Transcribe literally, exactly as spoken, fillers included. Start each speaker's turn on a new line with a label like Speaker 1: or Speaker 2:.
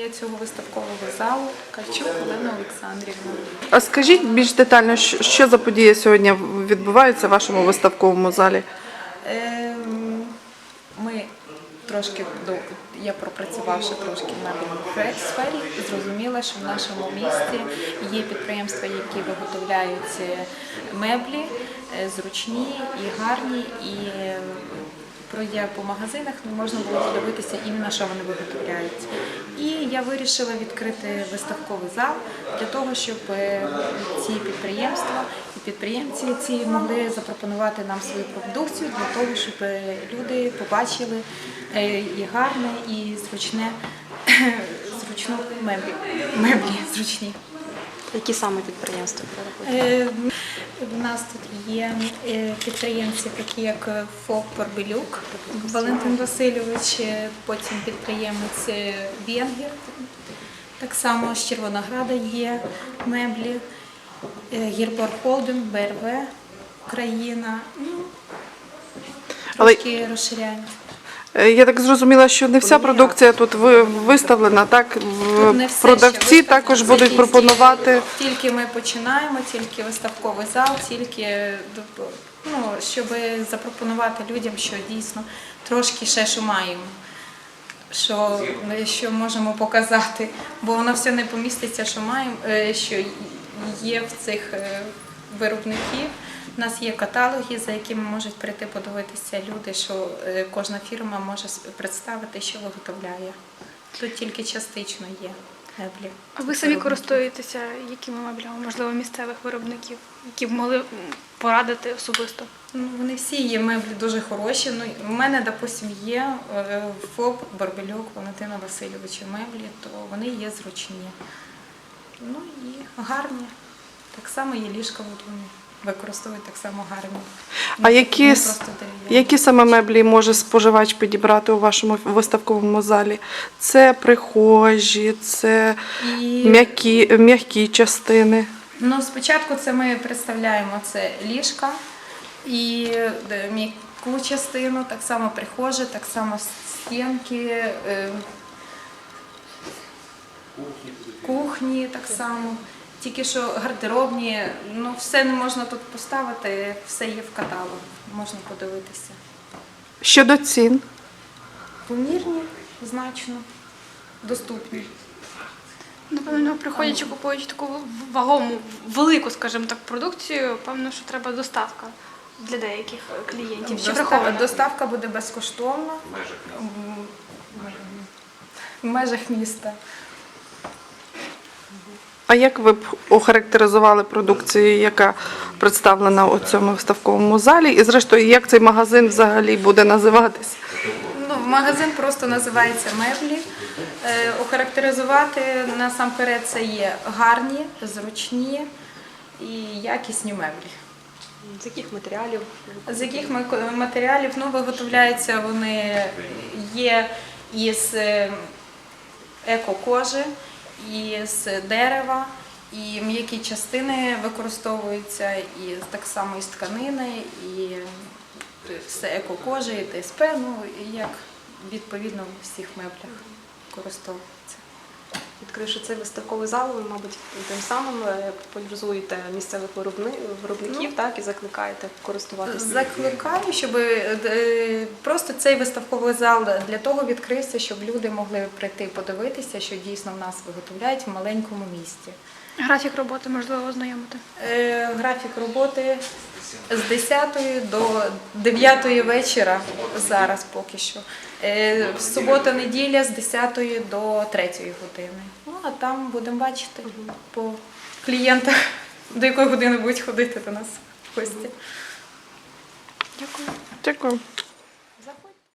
Speaker 1: цього виставкового залу Кальчук Олена Олександрівна.
Speaker 2: А скажіть більш детально, що що за події сьогодні відбуваються в вашому виставковому залі?
Speaker 1: Ем, Ми трошки, до- я пропрацювавши трошки в мебельній сфері, зрозуміла, що в нашому місті є підприємства, які виготовляють е, меблі е, зручні і гарні, і е, пройдя по магазинах, не можна було подивитися іменно, що вони виготовляють. І я вирішила відкрити виставковий зал для того, щоб е, ці підприємства і підприємці ці могли запропонувати нам свою продукцію для того, щоб е, люди побачили е, і гарне, і зручне, зручну меблі, меблі зручні.
Speaker 3: Які саме підприємства ви робите?
Speaker 1: Е, У нас тут є е, підприємці, такі як ФОП «Барбелюк» Валентин Васильович, е, потім підприємець е, Венгер, так само з Червонограда є меблі, е, Гірбор Холдинг, Б Р В, Україна, ну,
Speaker 2: Але-
Speaker 1: трошки розширяємо.
Speaker 2: Е, Я так зрозуміла, що не вся продукція тут ви- виставлена, так? В-
Speaker 1: Тут не все ще
Speaker 2: Продавці
Speaker 1: виставлено.
Speaker 2: також
Speaker 1: Це
Speaker 2: будуть
Speaker 1: тільки-
Speaker 2: пропонувати.
Speaker 1: Тільки ми починаємо, тільки виставковий зал, тільки ну, щоб запропонувати людям, що дійсно трошки ще що маємо, що, що можемо показати, бо воно все не поміститься, що маємо, е, що є в цих е, виробників. У нас є каталоги, за якими можуть прийти подивитися люди, що е, кожна фірма може представити, що виготовляє. Тут тільки частично є меблі.
Speaker 4: А ви самі користуєтеся якими меблями, можливо, місцевих виробників, які б могли м, порадити особисто?
Speaker 1: Ну, вони всі є меблі дуже хороші. Ну, у мене, допустим, є е, ФОП «Барбелюк» Валентина Васильовича меблі, то вони є зручні. Ну і гарні. Так само є ліжка, от вони використовують так само гарні.
Speaker 2: А
Speaker 1: Не-
Speaker 2: які,
Speaker 1: не
Speaker 2: с-
Speaker 1: просто дерев'яні.
Speaker 2: які саме меблі може споживач підібрати у вашому виставковому залі? Це прихожі, це
Speaker 1: І...
Speaker 2: м'які, м'які частини.
Speaker 1: Ну, спочатку це ми представляємо це ліжка і е, м'яку частину, так само прихожі, так само стінки, е, кухні так само. Тільки що гардеробні, ну все не можна тут поставити, все є в каталогу, можна подивитися.
Speaker 2: Щодо цін.
Speaker 1: Помірні, значно, доступні.
Speaker 4: Напевно, приходячи, купуючи таку вагому, велику, скажімо так, продукцію, певно, що треба доставка для деяких клієнтів. Чи
Speaker 1: Доста-
Speaker 4: враховано?
Speaker 1: Доставка буде безкоштовна М, в межах міста.
Speaker 2: А як ви б охарактеризували продукцію, яка представлена у цьому виставковому залі? І зрештою, як цей магазин взагалі буде називатись?
Speaker 1: Ну, магазин просто називається «Меблі». Е, охарактеризувати насамперед це є гарні, зручні і якісні меблі.
Speaker 3: З яких матеріалів?
Speaker 1: З яких ми- матеріалів ну, виготовляються вони є із е, еко-кожи, із дерева, і м'які частини використовуються і так само із тканини, і все еко-кожа, і Т С П, ну і як відповідно в всіх меблях використовується.
Speaker 3: Відкривши цей виставковий зал, ви, мабуть, тим самим е, популяризуєте місцевих виробни- виробників, так, і закликаєте користуватися.
Speaker 1: Закликаю, щоб е, просто цей виставковий зал для того відкрився, щоб люди могли прийти подивитися, що дійсно в нас виготовляють в маленькому місті.
Speaker 4: Графік роботи, можливо, ознайомити.
Speaker 1: Е, Графік роботи з десятої до дев'ятої вечора зараз поки що. Е, В субота-неділя з десятої до третьої години. Ну, а там будемо бачити по клієнтах, до якої години будуть ходити до нас в гості.
Speaker 4: Дякую.
Speaker 2: Дякую.